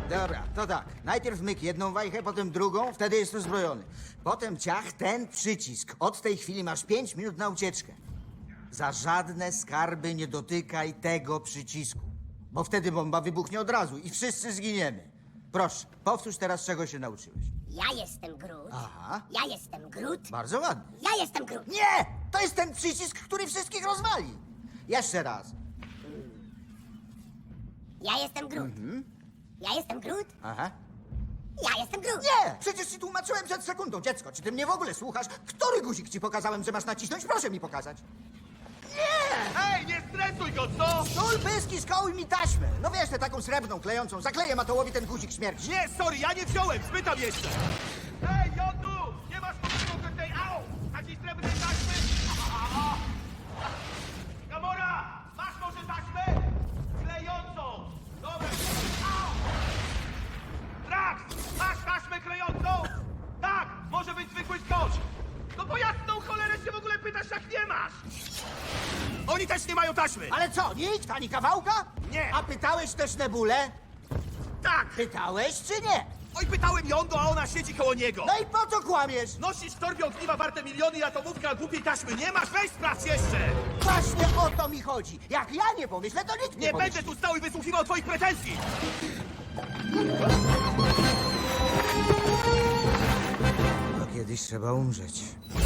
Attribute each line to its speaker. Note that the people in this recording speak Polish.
Speaker 1: Dobra, to tak. Najpierw myk jedną wajchę, potem drugą, wtedy jest uzbrojony. Potem ciach ten przycisk. Od tej chwili masz 5 minut na ucieczkę. Za żadne skarby nie dotykaj tego przycisku. Bo wtedy bomba wybuchnie od razu i wszyscy zginiemy. Proszę, powtórz teraz, czego się nauczyłeś.
Speaker 2: Ja jestem Groot.
Speaker 1: Aha.
Speaker 2: Ja jestem Groot.
Speaker 1: Bardzo ładnie.
Speaker 2: Ja jestem Groot.
Speaker 1: Nie! To jest ten przycisk, który wszystkich rozwali. Jeszcze raz.
Speaker 2: Ja jestem Groot. Ja jestem Groot.
Speaker 1: Aha.
Speaker 2: Ja jestem Groot.
Speaker 1: Nie! Przecież ci tłumaczyłem przed sekundą, dziecko. Czy ty mnie w ogóle słuchasz? Który guzik ci pokazałem, że masz nacisnąć? Proszę mi pokazać.
Speaker 3: Ej, nie stresuj go, co?
Speaker 1: Sól, pyski, skołuj mi taśmę. No wiesz, tę taką srebrną, klejącą. Zakleję Matołowi ten guzik śmierci.
Speaker 3: Nie, sorry, ja nie wziąłem, spytam jeszcze. Ej, Jodu, nie masz pomocy tej, au! Takiej srebrnej taśmy? Gamora, masz może taśmę? Klejącą. Dobra, au! Drax, masz taśmę klejącą? Tak, może być zwykły skocz. No bo jasną cholerę się w ogóle pytasz, jak nie masz. Oni też nie mają taśmy.
Speaker 1: Ale co, nikt? Ani kawałka?
Speaker 3: Nie.
Speaker 1: A pytałeś też Nebulę?
Speaker 3: Tak.
Speaker 1: Pytałeś czy nie?
Speaker 3: Oj, pytałem Jondo, a ona siedzi koło niego.
Speaker 1: No i po co kłamiesz?
Speaker 3: Nosisz w torbie ogniwa warte miliony i atomówka, a głupiej taśmy nie masz? Weź sprawdź jeszcze!
Speaker 1: Właśnie o to mi chodzi. Jak ja nie pomyślę, to nikt nie
Speaker 3: Nie
Speaker 1: pomyśli.
Speaker 3: będę tu stał i wysłuchiwał twoich pretensji!
Speaker 1: Bo kiedyś trzeba umrzeć.